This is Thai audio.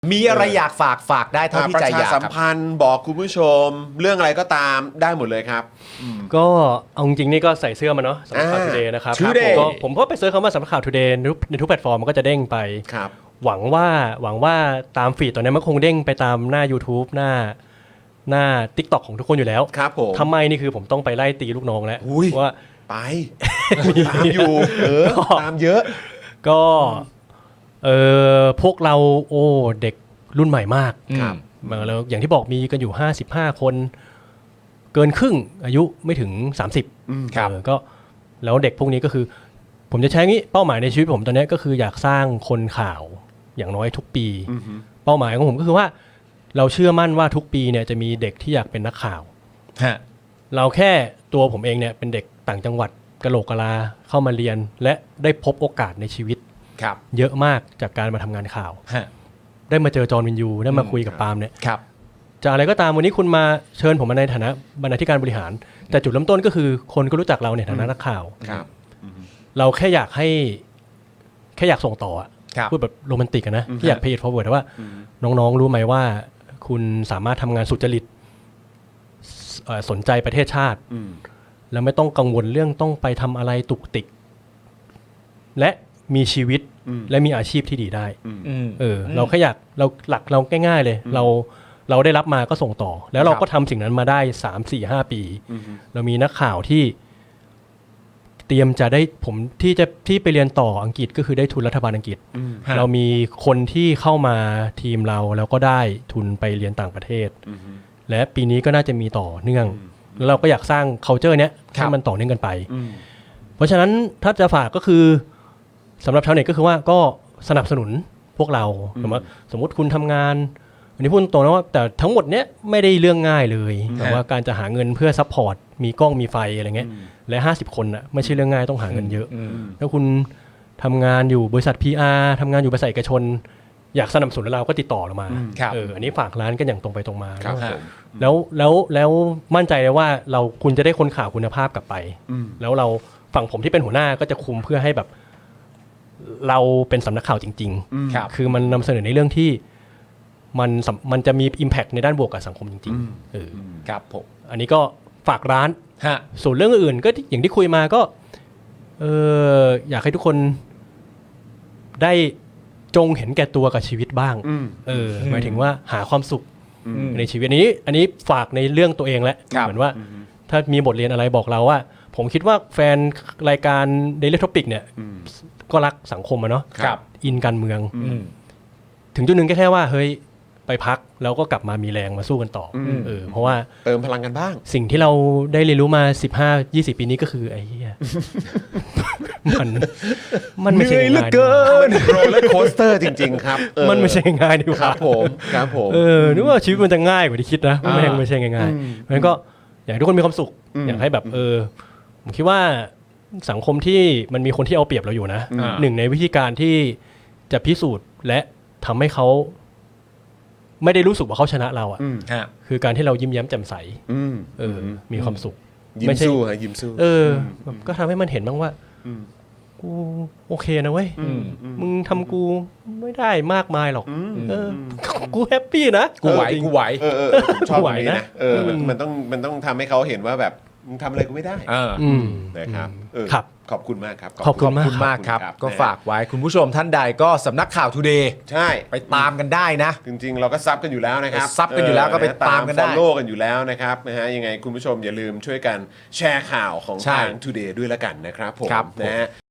มีอะไรอยากฝากได้เท่าที่ใจอยากประชาสัมพันธ์บอกคุณผู้ชมเรื่องอะไรก็ตามได้หมดเลยครับก็เอาจริงๆนี่ก็ใส่เสื้อมาเนาะสำนักข่าว Today นะครับ Today ผมก็ไปเซิร์ชคำว่าสำนักข่าว Today ในทุกแพลตฟอร์มมันก็จะเด้งไปครับหวังว่าตามฟีดตอนนี้มันคงเด้งไปตามหน้า YouTube หน้า TikTok ของทุกคนอยู่แล้วครับผมทำไมนี่คือผมต้องไปไล่ตีลูกน้องแล้วอุ้ยว่าไปตามอยู่ตามเยอะก็พวกเราเด็กรุ่นใหม่มากครับแล้วอย่างที่บอกมีกันอยู่55คนเกินครึ่งอายุไม่ถึง30 ครับก็แล้วเด็กพวกนี้ก็คือผมจะใช้งี้เป้าหมายในชีวิตผมตอนนี้ก็คืออยากสร้างคนข่าวอย่างน้อยทุกปี เป้าหมายของผมก็คือว่าเราเชื่อมั่นว่าทุกปีเนี่ยจะมีเด็กที่อยากเป็นนักข่าวฮะเราแค่ตัวผมเองเนี่ยเป็นเด็กต่างจังหวัดกะโหลกกะลาเข้ามาเรียนและได้พบโอกาสในชีวิตครับเยอะมากจากการมาทำงานข่าวฮะได้มาเจอจอห์นวินยูได้มาคุยกับปาล์มเนี่ยครับจะอะไรก็ตามวันนี้คุณมาเชิญผมมาในฐานะบรรณาธิการบริหาร แต่จุดเริ่มต้นก็คือคนก็รู้จักเราในฐานะนักข่าวครับเราแค่อยากส่งต่ออะครับพูดแบบโรแมนติกอะนะที่อยาก pay it forward ว่าน้องๆรู้ไหมว่าคุณสามารถทำงานสุจริตสนใจประเทศชาติ แล้วไม่ต้องกังวลเรื่องต้องไปทำอะไรตุกติก และมีชีวิตและมีอาชีพที่ดีได้ เราแค่อยากเราหลักเราง่ายๆเลย เราได้รับมาก็ส่งต่อ แล้วเราก็ทำสิ่งนั้นมาได้3-4-5 ปี เรามีนักข่าวที่เตรียมจะได้ผมที่ไปเรียนต่ออังกฤษก็คือได้ทุนรัฐบาลอังกฤษ เรามีคนที่เข้ามาทีมเราแล้วก็ได้ทุนไปเรียนต่างประเทศ และปีนี้ก็น่าจะมีต่อเนื่อง แล้วเราก็อยากสร้าง culture เนี้ยให้มันต่อเนื่องกันไป เพราะฉะนั้นถ้าจะฝากก็คือสำหรับชาวเน็ตก็คือว่าก็สนับสนุนพวกเราสมมติคุณทำงานอันนี้พูดตรงนะว่าแต่ทั้งหมดเนี้ยไม่ได้เรื่องง่ายเลยแต่ว่าการจะหาเงินเพื่อซัพพอร์ตมีกล้องมีไฟอะไรเงี้ยและ50 คนน่ะไม่ใช่เรื่องง่ายต้องหาเงินเยอะแล้วคุณทำงานอยู่บริษัท PR ทำงานอยู่บริษัทเอกชน อยากสนับสนุนเราก็ติดต่อเรามา อันนี้ฝากร้านกันอย่างตรงไปตรงมาครับแล้วมั่นใจเลยว่าคุณจะได้คนข่าวคุณภาพกลับไปแล้วเราฝั่งผมที่เป็นหัวหน้าก็จะคุมเพื่อให้แบบเราเป็นสำนักข่าวจริงๆคือมันนำเสนอในเรื่องที่มันจะมี impact ในด้านบวกกับสังคมจริงๆครับผมอันนี้ก็ฝากร้านฮะส่วนเรื่องอื่นก็อย่างที่คุยมาก็อยากให้ทุกคนได้จงเห็นแก่ตัวกับชีวิตบ้างหมายถึงว่าหาความสุขในชีวิตอันนี้ฝากในเรื่องตัวเองแหละเหมือนว่าถ้ามีบทเรียนอะไรบอกเราว่าผมคิดว่าแฟนรายการ Daily Topic เนี่ยก็รักสังคมอะเนาะอินการเมืองถึงจุดหนึ่งแค่ว่าเฮ้ยไปพักแล้วก็กลับมามีแรงมาสู้กันต่อเพราะว่าเติมพลังกันบ้างสิ่งที่เราได้เรียนรู้มา15-20 ปีนี้ก็คือไอ้เหี้ยมันไม่ใช่ง่ายๆมันโรลเลอร์โคสเตอร์จริงๆครับมันไม่ใช่ง่ายดีกว่าครับผมนึกว่าชีวิตมันจะง่ายกว่าที่คิดนะไม่ใช่ง่ายๆเพราะฉะนั้นก็อยากให้ทุกคนมีความสุขอยากให้แบบผมคิดว่าสังคมที่มันมีคนที่เอาเปรียบเราอยู่นะหนึ่งในวิธีการที่จะพิสูจน์และทำให้เขาไม่ได้รู้สึกว่าเขาชนะเราอ่ะคือการที่เรายิ้มแย้มแจ่มใสมีความสุขยิ้มสู้ฮะยิ้มสู้ก็ทำให้มันเห็นบ้างว่ากูโอเคนะเว้ยมึงทำกูไม่ได้มากมายหรอกกูแฮปปี้นะกูไหวชอบตรงนี้นะมันต้องทำให้เขาเห็นว่าแบบมึงทำอะไรกูไม่ได้นะครับครับขอบคุณมากครับขอบคุณมากครับก็ฝากไว้คุณผู้ชมท่านใดก็สำนักข่าว Today ใช่ไปตามกันได้นะจริงๆเราก็ซับกันอยู่แล้วนะครับซับกันอยู่แล้วก็ไปตามกันได้ follow กันอยู่แล้วนะครับนะฮะยังไงคุณผู้ชมอย่าลืมช่วยกันแชร์ข่าวของทาง Today ด้วยละกันนะครับผมนะฮะ